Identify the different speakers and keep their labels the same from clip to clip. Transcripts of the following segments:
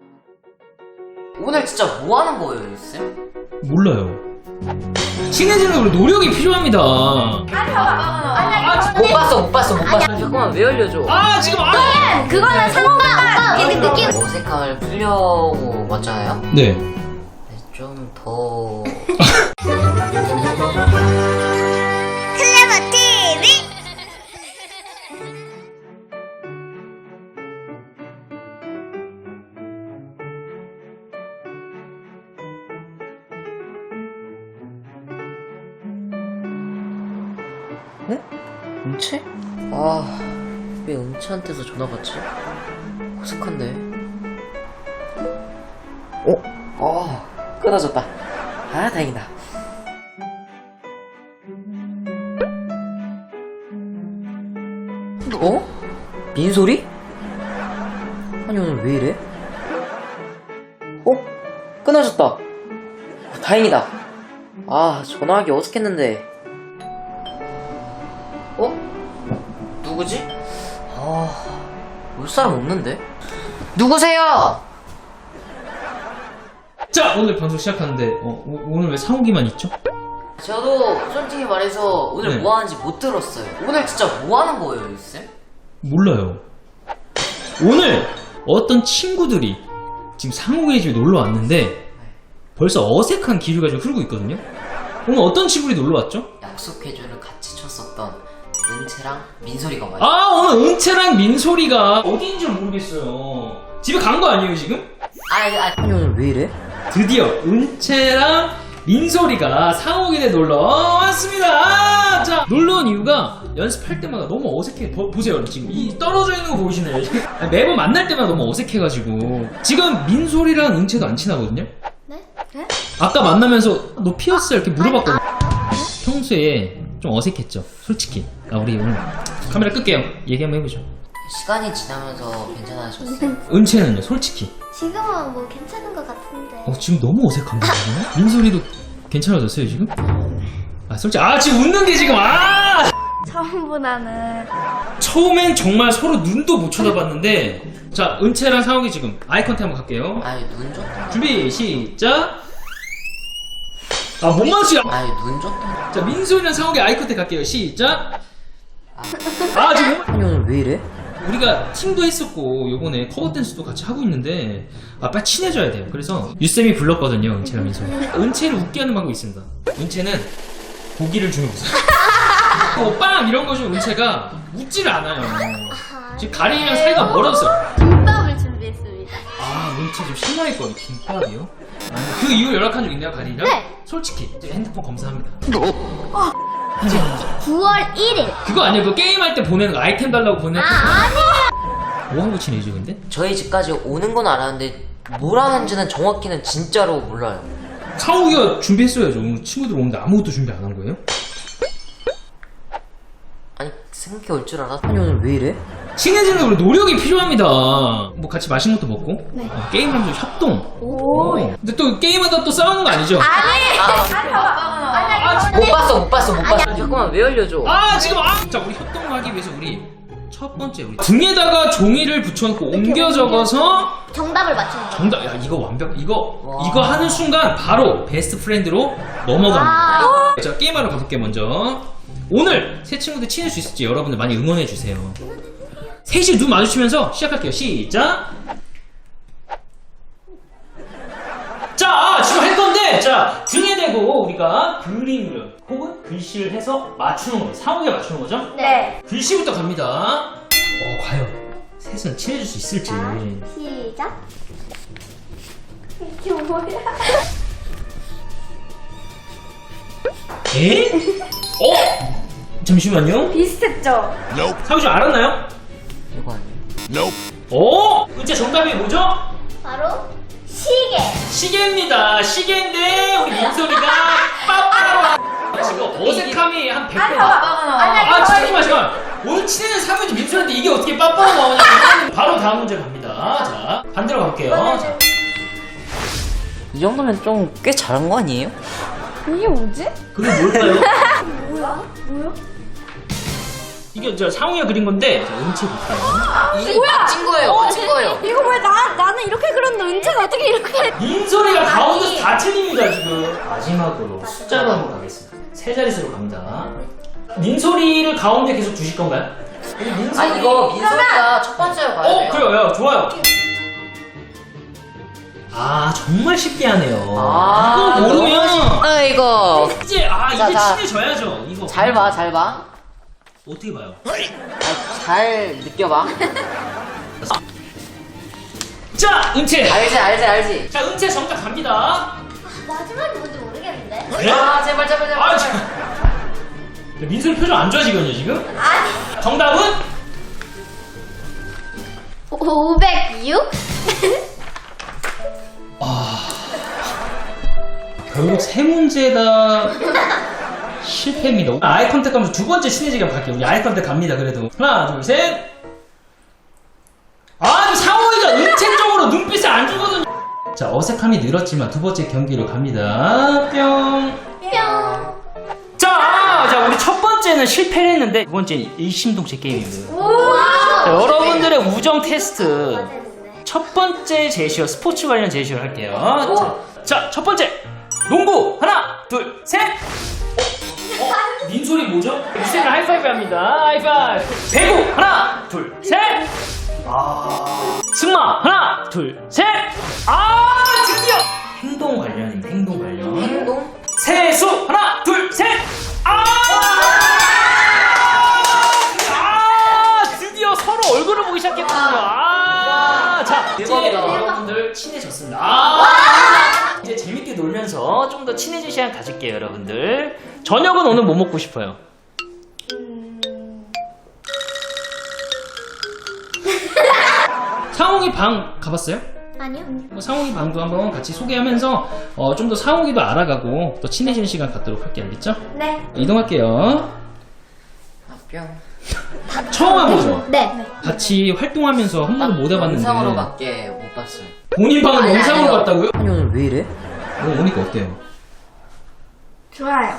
Speaker 1: 오늘 진짜 뭐 하는 거예요, 쌤?
Speaker 2: 몰라요. 친해지는 걸 노력이 필요합니다.
Speaker 1: 못 봤어. 잠깐만, 왜 알려줘?
Speaker 2: 지금
Speaker 3: 그거는 상호가 느낌.
Speaker 1: 어색함을 풀려고 왔잖아요?
Speaker 2: 네.
Speaker 1: 좀 더...
Speaker 3: 클레버 TV.
Speaker 1: 은채? 왜 은채한테서 전화가 왔지? 어색한데? 끊어졌다. 다행이다. 민소리? 아니, 오늘 왜 이래? 끊어졌다. 다행이다. 전화하기 어색했는데. 누구지? 올 사람 없는데? 누구세요?
Speaker 2: 자, 오늘 방송 시작하는데 오늘 왜 상욱이만 있죠?
Speaker 1: 저도 솔직히 말해서 오늘
Speaker 2: 네.
Speaker 1: 뭐 하는지 못 들었어요. 오늘 진짜 뭐 하는 거예요, 쌤?
Speaker 2: 몰라요. 오늘 어떤 친구들이 지금 상욱의 집에 놀러 왔는데 벌써 어색한 기류가 좀 흐르고 있거든요. 오늘 어떤 친구들이 놀러 왔죠?
Speaker 1: 약속해줘를 같이 쳤었던 은채랑 민소리가 와요.
Speaker 2: 오늘 은채랑 민소리가 어디인지 모르겠어요. 집에 간 거 아니에요 지금?
Speaker 1: 아니, 오늘 왜 이래?
Speaker 2: 드디어 은채랑 민소리가 상욱이네 놀러 왔습니다. 자, 놀러 온 이유가 연습할 때마다 너무 어색해. 보세요, 지금 이 떨어져 있는 거 보이시나요? 매번 만날 때마다 너무 어색해가지고 지금 민소리랑 은채도 안 친하거든요.
Speaker 3: 네?
Speaker 2: 아까 만나면서 너 피었어? 이렇게 물어봤거든요. 평소에 좀 어색했죠, 솔직히. 우리 오늘 카메라 끌게요. 얘기 한번 해보죠.
Speaker 1: 시간이 지나면서 괜찮아졌어요.
Speaker 2: 은채는요, 솔직히.
Speaker 3: 지금은 뭐 괜찮은 것 같은데.
Speaker 2: 지금 너무 어색한데, 지금? 민소리도 괜찮아졌어요, 지금? 솔직히, 지금 웃는 게 지금,
Speaker 3: 처음보다는.
Speaker 2: 처음엔 정말 서로 눈도 못 쳐다봤는데, 자, 은채랑 상욱이 지금 아이 컨택 한번 갈게요.
Speaker 1: 눈 줬다.
Speaker 2: 준비, 시작! 못 맞추야!
Speaker 1: 눈 줬다.
Speaker 2: 자, 민소리랑 상욱이 아이 컨택 갈게요. 시작! 지금
Speaker 1: 아니, 오늘 왜 이래?
Speaker 2: 우리가 팀도 했었고 요번에 커버 댄스도 같이 하고 있는데 빨리 친해져야 돼요. 그래서 유쌤이 불렀거든요, 은채랑 민소리. 은채를 웃게 하는 방법이 있습니다. 은채는 고기를 주면 웃어요. 빵 이런 거 주면 은채가 웃지를 않아요. 지금 가린이랑 사이가 멀어졌어요.
Speaker 3: 김밥을 준비했습니다.
Speaker 2: 은채 좀 실망했거든요. 김밥이요? 그 이후 연락한 적 있나요, 가린이랑?
Speaker 3: 네.
Speaker 2: 솔직히 이제 핸드폰 검사합니다.
Speaker 3: 9월 1일.
Speaker 2: 그거 아니에요? 그 게임할 때 보내는 거, 아이템 달라고 보내는 거.
Speaker 3: 아니야.
Speaker 2: 뭐 하고 친해지죠, 근데?
Speaker 1: 저희 집까지 오는 건 알았는데 뭘 하는지는 정확히는 진짜로 몰라요.
Speaker 2: 상욱이가 준비했어야죠. 오늘 친구들 오는데 아무것도 준비 안 한 거예요?
Speaker 1: 생각해 올 줄 알았어. 아니, 오늘 왜 이래?
Speaker 2: 친해지는 걸 노력이 필요합니다. 뭐 같이 맛있는 것도 먹고,
Speaker 3: 네.
Speaker 2: 게임하면서 협동.
Speaker 3: 오.
Speaker 2: 근데 또 게임하다 또 싸우는 거 아니죠?
Speaker 1: 못 봤어. 잠깐만, 왜 알려줘?
Speaker 2: 지금 자, 우리 협동을 하기 위해서 우리 첫 번째 우리 등에다가 종이를 붙여놓고 옮겨 적어서
Speaker 3: 정답을 맞추는 거.
Speaker 2: 정답. 야, 이거 완벽. 이거 하는 순간 바로 베스트 프렌드로 넘어갑니다. 자, 게임하러 가볼게요. 먼저 오늘 새 친구들 친해질 수 있을지 여러분들 많이 응원해 주세요. 셋이 눈 마주치면서 시작할게요. 시작. 자, 지금 할 건데, 자, 등에 대고 우리가 그림을 혹은 글씨를 해서 맞추는 거예요. 상욱이가 맞추는 거죠?
Speaker 3: 네.
Speaker 2: 글씨부터 갑니다. 과연 셋은 친해질 수 있을지.
Speaker 3: 시작. 이게 뭐야?
Speaker 2: 에? 잠시만요.
Speaker 3: 비슷했죠?
Speaker 2: 상욱이 좀 알았나요?
Speaker 1: 이거 아니에요?
Speaker 2: 은채 정답이 뭐죠?
Speaker 3: 바로 시계.
Speaker 2: 시계입니다. 시계인데 우리 민소리가 빠빠로 지금 어색함이 한 100배. 잠깐만. 오늘 친해진 사무지 민소리한테 이게 어떻게 빠빠로 나오냐. 바로 다음 문제 갑니다. 자, 반대로 가볼게요. 자.
Speaker 1: 이 정도면 좀 꽤 잘한 거 아니에요?
Speaker 3: 이게 뭐지?
Speaker 2: 그게 뭘까요?
Speaker 3: 뭐야?
Speaker 2: 이게 저 상우가 그린 건데, 자, 은채 볼게요.
Speaker 1: 이게 맞힌 거예요.
Speaker 3: 이거 왜 나는 이렇게 그렸는데 어떻게 이렇게.
Speaker 2: 민소리가 가운데서 다 틀립니다 지금. 마지막으로 숫자로 한번 가겠습니다. 세 자릿수로 갑니다. 민소리를 가운데 계속 두실 건가요?
Speaker 1: 아 이거 민소리가 첫 번째로 가야 돼요.
Speaker 2: 그래요. 야, 좋아요. 아 정말 쉽게 하네요.
Speaker 1: 아,
Speaker 2: 이거 모르면
Speaker 1: 아 이거
Speaker 2: 이제
Speaker 1: 자,
Speaker 2: 이제
Speaker 1: 자.
Speaker 2: 친해져야죠. 이거
Speaker 1: 잘 봐, 잘 봐.
Speaker 2: 어떻게 봐요?
Speaker 1: 잘 느껴봐.
Speaker 2: 자 은채.
Speaker 1: 알지.
Speaker 2: 자 은채 정답 갑니다.
Speaker 3: 마지막이 뭔지 모르겠는데.
Speaker 2: 네?
Speaker 1: 아 제발.
Speaker 2: 아, 민소리 표정 안 좋아지거든요 지금?
Speaker 3: 아니.
Speaker 2: 정답은
Speaker 3: 506?
Speaker 2: 결국 세 문제 다 실패입니다. 아이 컨택 하면서 두 번째 친해지게 갈게요. 우리 아이 컨택 갑니다. 그래도 하나 둘 셋. 아 상호이가 은채 쪽으로 눈빛을 안 주거든요. 자 어색함이 늘었지만 두 번째 경기로 갑니다. 뿅.
Speaker 3: 뿅.
Speaker 2: 자 우리 첫 번째는 실패를 했는데 두 번째는 일심동체 게임입니다.
Speaker 3: 우와.
Speaker 2: 자, 여러분들의 우정 테스트 첫 번째 제시어 스포츠 관련 제시어를 할게요. 자 첫 번째 농구 하나 둘 셋. 민소리 뭐죠? 유쌤이 하이파이브 합니다. 하이파이브. 배구 하나 둘 셋. 승마 하나 둘 셋. 드디어 행동 관련입니다. 행동 관련.
Speaker 1: 행동?
Speaker 2: 세수 하나 둘 셋. 드디어 서로 얼굴을 보기 시작했거든요. 자 이제
Speaker 1: 대박이다.
Speaker 2: 여러분들 친해졌습니다. 이제 재밌게 놀면서 좀 더 친해질 시간 가질게요, 여러분들. 저녁은 오늘 뭐 먹고 싶어요? 상홍이 방 가봤어요?
Speaker 3: 아니요.
Speaker 2: 상홍이 방도 한번 같이 소개하면서 좀 더 상홍이도 알아가고 더 친해지는 시간 갖도록 할게요, 알겠죠?
Speaker 3: 네.
Speaker 2: 이동할게요.
Speaker 1: 아, 뿅.
Speaker 2: 처음 와보죠?
Speaker 3: 네.
Speaker 2: 같이 활동하면서 한 번도 못 해봤는데
Speaker 1: 영상으로밖에 못 봤어요.
Speaker 2: 본인 방은
Speaker 1: 아니,
Speaker 2: 영상으로
Speaker 1: 아니요.
Speaker 2: 봤다고요?
Speaker 1: 아니 오늘 왜 이래?
Speaker 2: 오니까 어때요?
Speaker 3: 좋아요.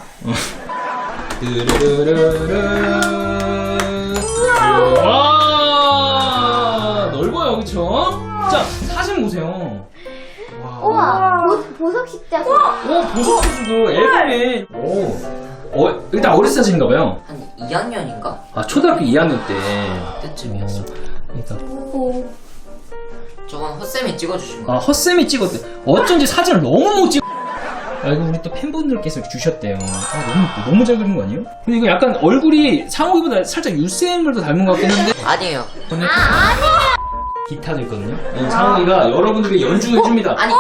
Speaker 2: 와 넓어요 그쵸? 자 사진 보세요.
Speaker 3: 우와. 보석 십자수.
Speaker 2: 오 보석수도 앨범에 일단 어린 사진인가봐요.
Speaker 1: 한 2학년인가?
Speaker 2: 아 초등학교 2학년 때
Speaker 1: 그때쯤이었어.
Speaker 2: 그러니까
Speaker 3: 오.
Speaker 1: 저건 헛쌤이 찍어주신 거.
Speaker 2: 헛쌤이 찍었대. 어쩐지 사진을 너무 못 찍어. 이거 우리 또 팬분들께서 주셨대요. 너무 잘 그린 거 아니에요? 근데 이거 약간 얼굴이 상호이보다 살짝 유쌤을 더 닮은 것 같긴 한데.
Speaker 1: 아니에요.
Speaker 2: 아니야. 기타도 있거든요. 상호이가 여러분들에게 연주를 해줍니다.
Speaker 1: 아니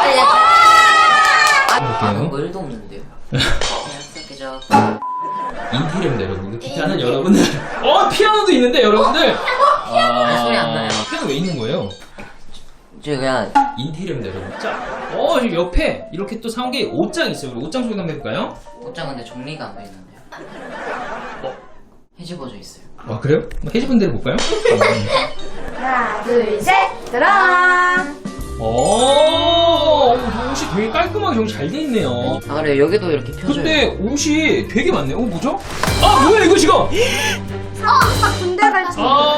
Speaker 2: 볼게요.
Speaker 1: 뭐 일도 없는데요. 그저
Speaker 2: 인테리어입니다, 여러분. 기타는 여러분들. 피아노도 있는데, 여러분들.
Speaker 1: 소리 안 나요.
Speaker 2: 피아노 왜 있는 거예요?
Speaker 1: 이제 그냥
Speaker 2: 인테리어입니다, 여러분. 자, 지금 옆에 이렇게 또 상호이 옷장 있어요. 우리 옷장 소개 한번 해볼까요?
Speaker 1: 옷장 근데 정리가 안 돼 있는데요. 해집어져 있어요.
Speaker 2: 그래요? 한번 해집은 대로 볼까요?
Speaker 3: 하나, 둘, 셋. 따란.
Speaker 2: 옷이 되게 깔끔하게 정리 잘 돼 있네요.
Speaker 1: 아 그래 여기도 이렇게 펴져요.
Speaker 2: 근데 옷이 되게 많네요. 뭐죠? 뭐야, 이거 지금!
Speaker 3: 군대 갈지.
Speaker 1: 이거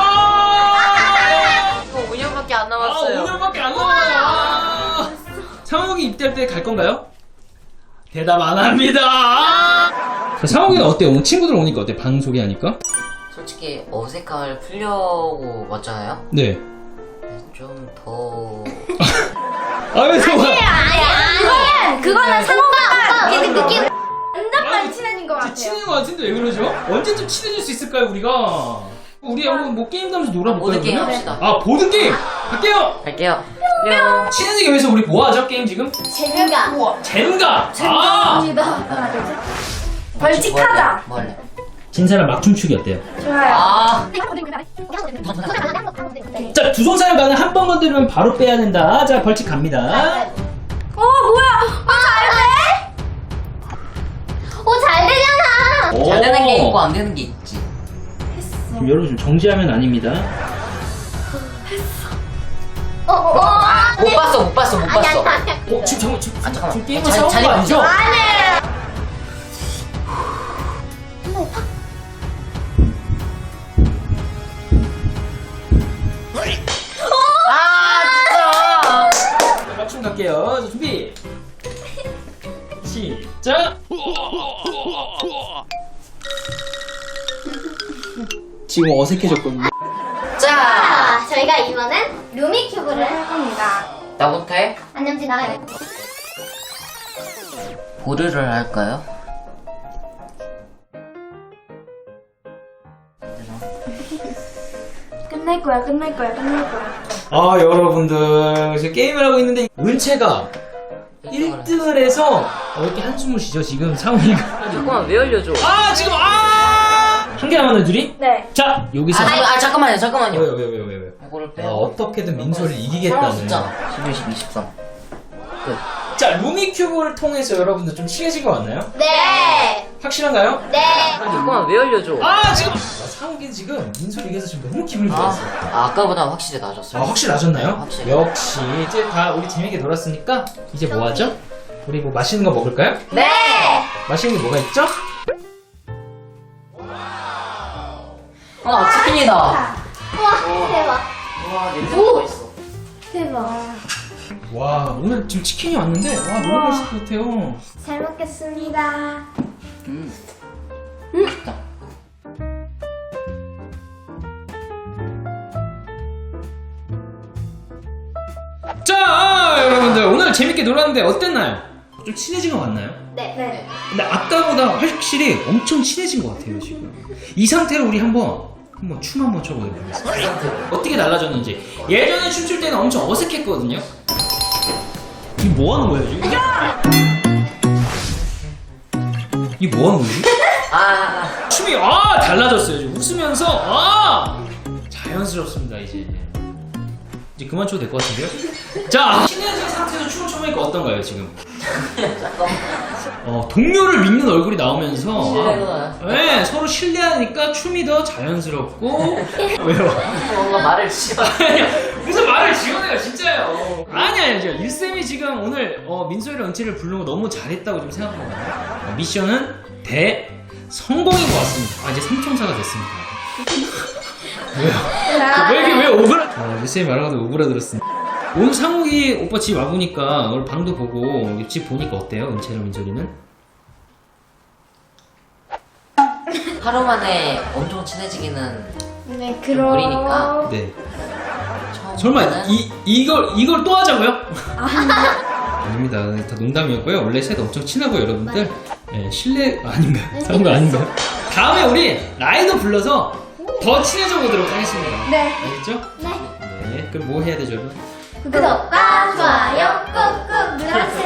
Speaker 1: 5년밖에 안 남았어요.
Speaker 2: 5년밖에 안 남았어요. 상욱이 입대할 때 갈 건가요? 대답 안 합니다. 상욱이는 어때요? 오늘 친구들 오니까 어때? 방 소개하니까?
Speaker 1: 솔직히 어색함을 풀려고 왔잖아요.
Speaker 2: 네.
Speaker 1: 좀 더
Speaker 2: 왜 저거?
Speaker 3: 그거는 상호가 그 느낌. 완전 많이 친해진 것 같아요.
Speaker 2: 친해진 것 같은데 왜 그러죠? 언제쯤 친해질 수 있을까요, 우리가? 우리 한번 뭐 게임도 하면서 놀아볼까요?
Speaker 1: 보드게임
Speaker 2: 그러면?
Speaker 1: 합시다.
Speaker 2: 보드게임! 갈게요!
Speaker 1: 갈게요.
Speaker 2: 친해지기 위해서 우리 뭐 하죠, 게임 지금?
Speaker 3: 재미가.
Speaker 2: 젠가!
Speaker 3: 재미입니다. 하나, 둘, 셋. 벌칙하자.
Speaker 1: 뭐 할래?
Speaker 2: 진 사람 막춤추기 어때요?
Speaker 3: 좋아요.
Speaker 2: 자, 두 손 사람 가는 한 번 건드리면 바로 빼야 된다. 자, 벌칙 갑니다.
Speaker 3: 뭐야? 잘 되잖아.
Speaker 1: 잘 되는 게 있고 안 되는 게 있지.
Speaker 2: 지금 여러분 좀 정지하면 아닙니다.
Speaker 1: 못 봤어.
Speaker 2: 지금
Speaker 1: 잠깐만.
Speaker 2: 지금 게임을
Speaker 1: 잘-
Speaker 2: 싸운
Speaker 1: 잘
Speaker 2: 거 아니죠?
Speaker 3: 아니에요.
Speaker 1: 진짜.
Speaker 2: 준비 시작. 지금 어색해졌거든요.
Speaker 3: 자, 저희가 이번엔 루미큐브를 할 겁니다.
Speaker 1: 나부터 해?
Speaker 3: 안녕지 나가요.
Speaker 1: 보류를 할까요?
Speaker 3: 끝낼 거야, 끝낼 거야, 끝낼 거야.
Speaker 2: 아 여러분들 지금 게임을 하고 있는데 은채가 1등을 해서 이렇게 한숨을 쉬죠 지금 상훈이가.
Speaker 1: 잠깐만 왜 알려줘?
Speaker 2: 아 지금 한 개 남았네 둘이?
Speaker 3: 네.
Speaker 2: 자 여기서
Speaker 1: 잠깐만요.
Speaker 2: 왜요?
Speaker 1: 이거를 빼.
Speaker 2: 어떻게든 민소를
Speaker 1: 하나
Speaker 2: 이기겠다는.
Speaker 1: 숫자 11, 12, 13. 끝.
Speaker 2: 자 루미큐브를 통해서 여러분들 좀 친해진 것 같나요?
Speaker 3: 네.
Speaker 2: 확실한가요?
Speaker 3: 네.
Speaker 1: 잠깐만 왜 알려줘?
Speaker 2: 아 지금 상욱이 지금 민소를 이겨서 지금 너무 기분이 좋았어요.
Speaker 1: 아까보다 확실히 나아졌어요.
Speaker 2: 확실히 나셨나요?
Speaker 1: 확실히.
Speaker 2: 역시 이제 다 우리 재밌게 놀았으니까 이제 뭐 하죠? 우리 뭐 맛있는 거 먹을까요?
Speaker 3: 네.
Speaker 2: 맛있는 게 뭐가 있죠?
Speaker 1: 치킨이다.
Speaker 3: 와, 대박.
Speaker 1: 와 냄새가 있어.
Speaker 3: 대박.
Speaker 2: 와 오늘 지금 치킨이 왔는데 와 너무 맛있을 것 같아요.
Speaker 3: 잘 먹겠습니다.
Speaker 1: 맛있다.
Speaker 2: 자 여러분들 오늘 재밌게 놀았는데 어땠나요? 좀 친해진 것 같나요?
Speaker 3: 네. 네.
Speaker 2: 근데 아까보다 확실히 엄청 친해진 것 같아요 지금. 이 상태로 우리 한번 춤 한번 춰보도록 하겠습니다. 어떻게 달라졌는지. 예전에 춤출 때는 엄청 어색했거든요. 이게 뭐 하는 거야 지금? 이게 뭐 하는 거지? 춤이 달라졌어요 지금. 웃으면서 자연스럽습니다 이제 그만 춰도 될 것 같은데요? 자 친해진 상태에서 춤을 춰보니까 어떤가요 지금? 동료를 믿는 얼굴이 나오면서 네, 서로 신뢰하니까 춤이 더 자연스럽고. 왜요?
Speaker 1: 뭔가 말을 지어.
Speaker 2: 무슨 말을 지어내요 진짜요. 아니 저 일쌤이 지금 오늘 민소희랑 은채를 부르는 거 너무 잘했다고 좀 생각하거든요. 미션은 성공인 것 같습니다. 이제 삼총사가 됐습니다. 왜요? 왜 오그라? 일쌤이 말하고도 오그라들었습니다. 오늘 상욱이 오빠 집 와보니까 오늘 방도 보고 집 보니까 어때요? 은채랑 민소리는?
Speaker 1: 하루 만에 엄청 친해지기는
Speaker 3: 네,
Speaker 1: 우리니까.
Speaker 2: 네.
Speaker 1: 처음
Speaker 2: 설마
Speaker 1: 보는
Speaker 2: 이걸 또 하자고요? 아닙니다. 다 농담이었고요. 원래 셋 엄청 친하고 여러분들 실례 아닌가요? 그런 거 아닌가요? 다음에 우리 라이더 불러서 더 친해져 보도록 하겠습니다.
Speaker 3: 네.
Speaker 2: 알겠죠?
Speaker 3: 네.
Speaker 2: 네. 그럼 뭐 해야 되죠, 여러분?
Speaker 3: 구독과 좋아요 꾹꾹 눌러주세요.